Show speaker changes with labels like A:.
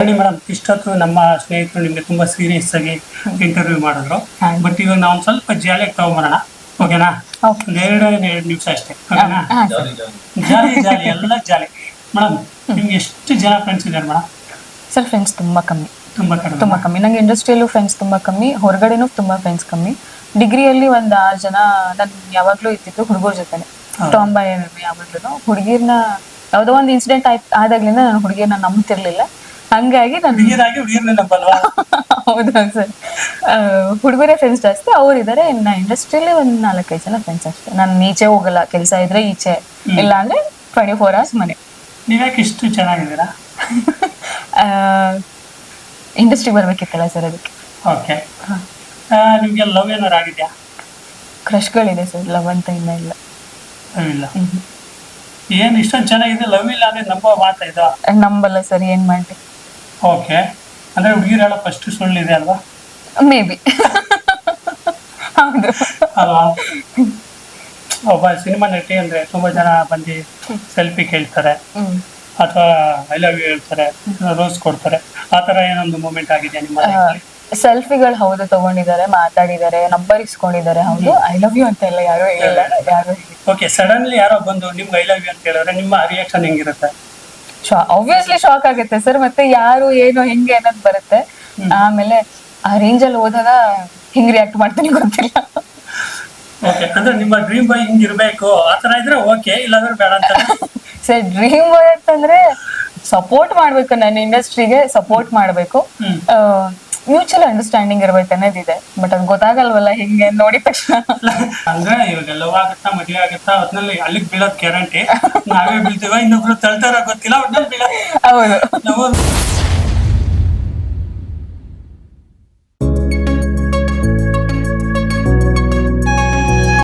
A: ಬನ್ನಿ ಮೇಡಮ್, ಇಷ್ಟೊತ್ತು ನಮ್ಮ ಸ್ನೇಹಿತರು ನಿಮ್ಗೆ ತುಂಬಾ ಸೀರಿಯಸ್ ಆಗಿ ಇಂಟರ್ವ್ಯೂ ಮಾಡಿದ್ರು. ಬಟ್ ಇವಾಗ ನಾವು ಸ್ವಲ್ಪ ಜಾಲಿಯಾಗಿ ತಗೊಂಬರೋಣ, ಓಕೆನಾ? ಎರಡು ನಿಮಿಷ ಅಷ್ಟೇ, ಓಕೆನಾ? ಜಾಲಿ ಜಾಲಿ ಎಲ್ಲ ಜಾಲಿ. ಮೇಡಮ್, ನಿಮ್ಗೆ ಎಷ್ಟು ಜನ ಫ್ರೆಂಡ್ಸ್ ಇದ್ದಾರೆ ಮೇಡಮ್?
B: ಸರ್ ಫ್ರೆಂಡ್ಸ್ ತುಂಬಾ ಕಮ್ಮಿ,
A: ತುಂಬಾ
B: ಕಮ್ಮಿ. ನಂಗೆ ಇಂಡಸ್ಟ್ರಿಯಲ್ಲೂ ಫ್ರೆಂಡ್ಸ್ ತುಂಬಾ ಕಮ್ಮಿ, ಹೊರಗಡೆನೂ ತುಂಬಾ ಫ್ರೆಂಡ್ಸ್ ಕಮ್ಮಿ. ಡಿಗ್ರಿಯಲ್ಲಿ ಒಂದ್ 6 ಜನ ನನ್ ಯಾವಾಗ್ಲೂ ಇರ್ತಿತ್ತು ಹುಡುಗರ ಜೊತೆನೆ, ಟಾಂಬಾಯ್ ಯಾವಾಗ್ಲೂ. ಹುಡುಗಿರ್ನ ಯಾವ್ದೋ ಒಂದು ಇನ್ಸಿಡೆಂಟ್ ಆದಾಗ್ಲಿಂದ ನಾನು ಹುಡುಗಿರ್ನ ನಂಬ್ತಿರ್ಲಿಲ್ಲ. ಹಂಗಾಗಿ ನಾನು ಹೌದಾ ಸರ್, ಹುಡುಗರೇ ಫ್ರೆಂಡ್ಸ್ ಜಾಸ್ತಿ. ಅವ್ರು ಇದಾರೆ. ಇನ್ನ ಇಂಡಸ್ಟ್ರಿಯಲ್ಲಿ ಒಂದ್ 4-5 ಜನ ಫ್ರೆಂಡ್ಸ್ ಅಷ್ಟೇ. ನಾನು ಈಚೆ ಹೋಗಲ್ಲ, ಕೆಲಸ ಇದ್ರೆ ಈಚೆ, ಇಲ್ಲ ಅಂದ್ರೆ 24 hours ಮನೆ.
A: ನೀವ್ಯಾಕೆ ಇಷ್ಟು ಚೆನ್ನಾಗಿದ್ದೀರಾ?
B: ಇಂಡಸ್ಟ್ರಿ ಬರ್ಬೇಕಿತ್ತಲ್ಲ ಸರ್, ಅದಕ್ಕೆ.
A: ಓಕೆ, ನಿಮ್ಗೆ ಲವ್ ಏನಾರು ಆಗಿದ್ಯಾ?
B: ಕ್ರಶ್ಗಳಿದೆ ಸರ್, ಲವ್ ಅಂತ ಇನ್ನ ಇಲ್ಲ.
A: ಲವ್ ಇಲ್ಲ? ಏನ್ ಇಷ್ಟೊಂದು ಚೆನ್ನಾಗಿದೆ, ಲವ್ ಇಲ್ಲ ಅಂದ್ರೆ ನಂಬೋ ಮಾತಾ ಇದು?
B: ನಂಬಲ್ಲ ಸರ್, ಏನ್ ಮಾಡಿ.
A: ಓಕೆ, ಅಂದ್ರೆ ಹುಡುಗಿರು ಹೇಳೋ ಫಸ್ಟ್ ಸುಳ್ಳಿದೆ ಅಲ್ವಾ?
B: Maybe. ಹೌದು
A: ಅಲ್ವಾ? ಒಬ್ಬ ಸಿನಿಮಾ ನಟಿ ಅಂದ್ರೆ ತುಂಬಾ ಜನ ಬಂದು ಸೆಲ್ಫಿ ಕೇಳ್ತಾರೆ, ಅಥವಾ ಐ ಲವ್ ಯು ಹೇಳ್ತಾರೆ, ರೋಸ್ ಕೊಡ್ತಾರೆ. ಆ ತರ ಏನೊಂದು ಮೂಮೆಂಟ್ ಆಗಿದೆಯಾ ನಿಮ್ಮ ಲೈಫಲ್ಲಿ?
B: ಸೆಲ್ಫಿಗಳು ಹೌದು ತಗೊಂಡಿದ್ದಾರೆ, ಮಾತಾಡಿದ್ದಾರೆ, ನಂಬರ್ ಇಸ್ಕೊಂಡಿದ್ದಾರೆ. ಹೌದು, ಐ ಲವ್ ಯು ಅಂತ ಎಲ್ಲ ಯಾರು ಹೇಳಿಲ್ಲ, ಯಾರು.
A: ಓಕೆ, ಸಡನ್ಲಿ ಯಾರೋ ಬಂದು ನಿಮ್ಗೆ ಐ ಲವ್ ಯು ಅಂತ ಹೇಳಿದ್ರೆ ನಿಮ್ಮ ರಿಯಾಕ್ಷನ್ ಹೆಂಗಿರುತ್ತೆ?
B: ಆಬ್ವಿಯಸ್ಲಿ ಶಾಕ್ ಆಗುತ್ತೆ ಸರ್. ಮತ್ತೆ ಯಾರು ಏನು ಹೆಂಗೆ ಅನ್ನೋದು ಬರುತ್ತೆ. ಆಮೇಲೆ ಆ ರೇಂಜ್ ಅಲ್ಲಿ ಹೋದಾಗ ಹೆಂಗ್ ರಿಯಾಕ್ಟ್ ಮಾಡ್ತೀನಿ ಗೊತ್ತಿಲ್ಲ.
A: ಓಕೆ, ಅಂದ್ರೆ ನಿಮ್ಮ ಡ್ರೀಮ್ ಬಾಯ್ ಹಿಂಗಿರ್ಬೇಕು ಆತರ ಇದ್ರೆ ಓಕೆ, ಇಲ್ಲಾಂದ್ರೆ ಬೇಡ ಅಂತ?
B: ಸರ್, ಡ್ರೀಮ್ ಬಾಯ್ ಅಂತಂದ್ರೆ ಸಪೋರ್ಟ್ ಮಾಡ್ಬೇಕು, ನನ್ನ ಇಂಡಸ್ಟ್ರಿಗೆ ಸಪೋರ್ಟ್ ಮಾಡ್ಬೇಕು, ಮ್ಯೂಚುವಲ್ ಅಂಡರ್ಸ್ಟ್ಯಾಂಡಿಂಗ್ ಇರ್ಬೇಕು ಅನ್ನೋದಿದೆ. ಬಟ್ ಅದು ಗೊತ್ತಾಗಲ್ವಲ್ಲ ಹೆಂಗೆ ನೋಡಿದ ತಕ್ಷಣ.
A: ಅಂದ್ರೆ ಇವಾಗ ಲವ್ ಆಗುತ್ತಾ, ಮದುವೆ ಆಗುತ್ತಾ, ಒಟ್ನಲ್ಲಿ ಅಲ್ಲಿಗೆ ಬೀಳೋದ್ ಗ್ಯಾರಂಟಿ. ನಾವೇ ಬೀಳ್ತೀವ, ಇನ್ನೊಬ್ರು ತಳ್ತಾರ ಗೊತ್ತಿಲ್ಲ, ಒಟ್ನಲ್ಲಿ ಬೀಳೋದು.
B: ಹೌದು.
A: ನಾವು